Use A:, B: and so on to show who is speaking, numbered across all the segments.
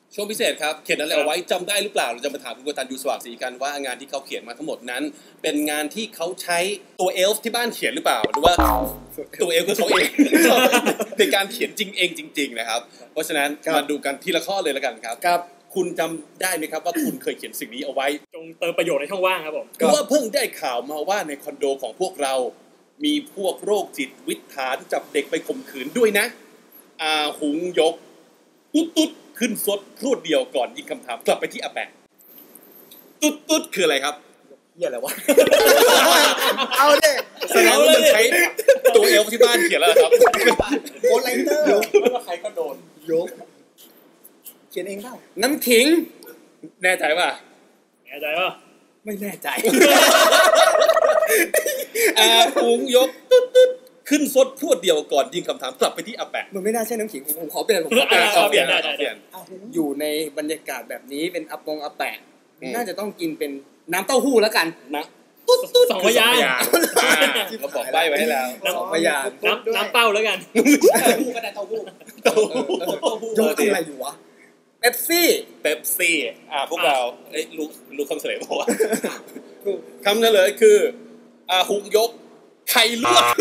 A: ช่วงพิเศษครับเขียนอะไรเอาไว้จำได้หรือเปล่าเราจะมาถามคุณกตัญญูสว่างศรีกันว่างานที่เขาเขียนมาทั้งหมดนั้นเป็นงานที่เขาใช้ตัวเอลฟ์ที่บ้านเขียนหรือเปล่าหรือว่าตัวเอลฟ์คือเขาเองในการเขียนจริงเองจริงๆนะครับเพราะฉะนั้นมาดูกันทีละข้อเลยแล้วกันครับ
B: ครับ
A: คุณจำได้ไหมครับว่าคุณเคยเขียนสิ่งนี้เอาไว้
C: จงเติมประโยชน์ในช่องว่างครับผม
A: เพราะว่าเพิ่งได้ข่าวมาว่าในคอนโดของพวกเรามีพวกโรคจิตวิถฐานจับเด็กไปข่มขืนด้วยนะหุงยกตุ๊ดขึ้นซดพรวดเดียวก่อนยิงคำถามกลับไปที่อาแปะตุ๊ดคืออะไรครับ
B: เหี้ยอะไรวะเอาเด้
A: แสดงว่ามันใช้ตัวเอลที่บ้านเขียนแล้วครับ
B: โกไลเตอร์
A: ไม่ว่าใครก็โดน
B: ยกเขียนเองเปล่า
A: น้ำขิงแน่ใจป่ะ
B: ไม่แน่ใจ
A: หุงยกตุ๊ดขึ้นซดพรวดเดียวก่อนยิงคำถามกลับไปที่อาแปะ
B: มันไม่น่าใช่น้ำขิงผมขอเปลี่ยนอยู่ในบรรยากาศแบบนี้เป็นอาแปะน่าจะต้องกินเป็นน้ำเต้าหู้แล้วกัน
A: นะ
C: ตุ๊ดสองพยาง
A: เราบอกใบไว้ให้แล้ว
B: สองพยาง
C: น้ำเป้าแล้วกัน
A: เต้าหู้ก็ได้เต้าหู้
B: ยกอะไรอยู่วะเป๊ปซี่
A: พวกเรารู้คำเฉลยบอกว่าคำเฉลยคือหุงยกไข่ลวก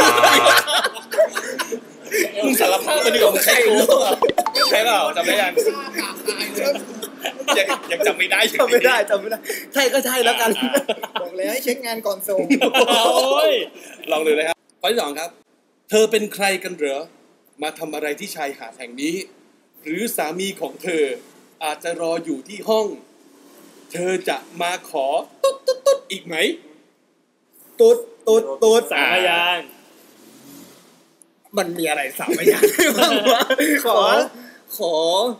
A: มึงสารภาพมาดีกว่ามึงไข่ลวกใช่เปล่าจำได้ยังจำไม่ได้
B: ใช่ก็ใช่แล้วกันบอกแล้วให้เช็คงานก่อนส่ง
A: ลองดูนะครับข้อที่ 2ครับเธอเป็นใครกันเหรอมาทำอะไรที่ชายหาดแห่งนี้หรือสามีของเธออาจจะรออยู่ที่ห้องเธอจะมาขอตุ๊ดอีกไหม
B: ตุ๊ด
C: สามพยาง
B: มันมีอะไรสามพยางบ้างวะขอ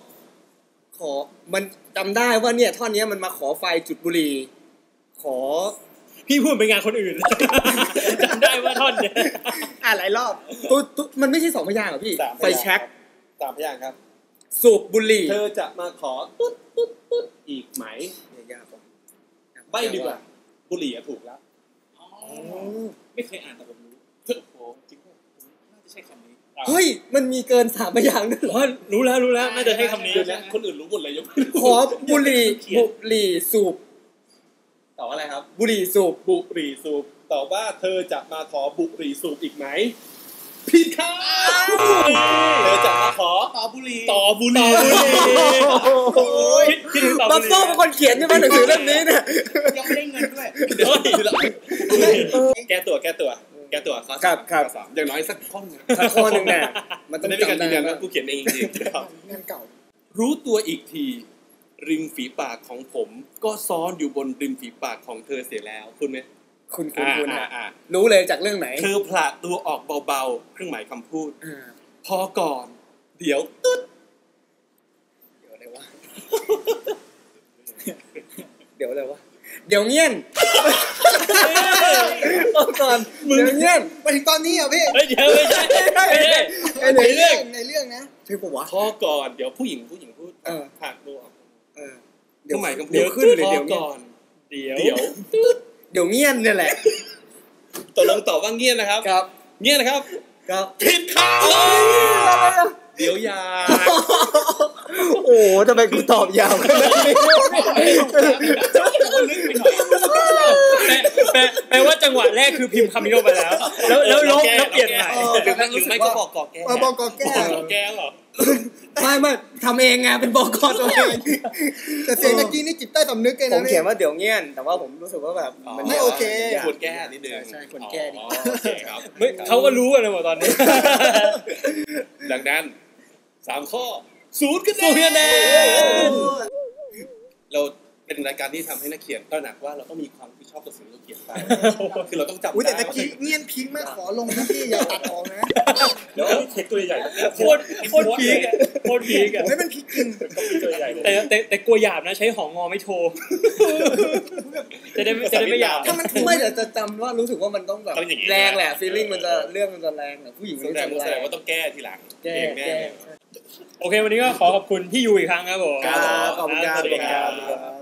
B: มันจำได้ว่าเนี่ยท่อนนี้มันมาขอไฟจุดบุหรี่ขอ
C: พี่พูดเป็นงานคนอื่นจำได้ว่าท่อนเนี่ย
B: หลายรอบตุ๊ดมันไม่ใช่สองพยางเหรอพี่ไฟแช็ก
A: สามพยางครับ
B: สูบบุหรี่
A: เธอจะมาขอตุ๊ดอีกไหม
B: ยาก
A: ใบดีกว่าบุหรี่ถูกแล้วไม่เคยอ่านแต่ผมรู้โอ้จริงป่ะน่าจะใช่คำนี้
B: เฮ้ยมันมีเกินสามพยางค์ด้วยเหรอ
C: รู้แล้วน่าจะใช่คำนี้
A: คนอื่นรู้หมดเลยยก
B: ขอบุหรี่สูบ
A: ตอบอะไรครับ
B: บุหรี่สูบ
A: ตอบว่าเธอจะมาขอบุหรี่สูบอีกไหมผิดครับเธอจะมาขอต่อบุหรี่
B: คิดบัฟโซ่เป็นคนเขียนใช่ไหมหนังสือเล่มนี้เนี่ย
A: ยังไม่ได้เงินด้วยแก้ตัวข้อ3อย่างน้อยสักข้อนึง
B: เนี่ยมันต้องจำได้
A: ว่ากูเขียนเองจริงๆครับ
B: งานเก่า
A: รู้ตัวอีกทีริมฝีปากของผมก็ซ้อนอยู่บนริมฝีปากของเธอเสียแล้วคุณไหม
B: คุณรู้เลยจากเรื่องไหน
A: เธอผละตัวออกเบาๆเครื่องหมายคำพูดพอก่อนเดี๋ยวตึ๊ด
B: เดี๋ยวอะไรวะเดี๋ยวเงี้ยนก่อนเดี๋ยวเงี้ยนมาถึงตอนนี้เหรอพี่
C: เดี๋ยวไม่ใช่
B: ในเรื่องนะใช่ปะวะ
A: พอก่อนเดี๋ยวผู้หญิงพูดผละตัวเครื่องหมายคำพูด
B: ขึ้นเลยเดี๋ยว
A: ก่อน
C: เดี๋ยว
B: เดี๋ยวเงี้ยนเนี่ยแหละ
A: ตกลงตอบว่าเงี้ยนะครับเงี้ยนะครับผิดครับเดี๋ยวยา
B: โอ้ทำไมกูตอบยาวขนาดนี้
C: แปลว่าจังหวะแรกคือพิมพ์คำนี้ลงไปแล้วลบแล้วเปลี่ยนใหม่
A: หรือไม่ก็บอกกอแก้เหรอ
B: ไม่ทำเองไงเป็นบอกกตัวเองแต่เสียงตะกี้นี่จิตใต้สำนึกเลยนะผมเขียนว่าเดี๋ยวเงี้ยนแต่ว่าผมรู้สึกว่าแบบมันไม่โอเค
A: ควรแก้นิดนึง
B: ใช่ควรแก้ดิ
C: เขาก็รู้กันเลยหมดตอนนี้
A: ดังนั้น3ข้อ0คะแนนเราเป็นรายการที่ทำให้นักเขียนตระหนักว่าเราต้องมีความรับผิดชอบต่อสิ่งที่เราเขียนไปคือเราต้องจำ
B: ได้แต่ตะกี้เงียนพิงค์ไม่ขอลงนะพี่อย่าตัดออกนะ
C: เดี๋ยวเทคตัวใหญ่โคตรพีก
B: ไม่เป็นพีกจริง
C: ตัวใหญ่แต่กลัวหยาบนะใช้หองอไม่โทรจะได้ไม่หยาบ
B: ถ้ามันไม่จะจำว่ารู้สึกว่ามันต้องแบบแรงแหละฟีลลิ่งมันจะเรื่องมันจะแรงแหละผู้หญิงรู้สึกแรง
A: ว่าต้องแก้ทีหลัง
B: แก้
C: โอเควันนี้ก็ขอขอบคุณพี่ยูอีกครั้งครับผม
B: ขอบคุณครับ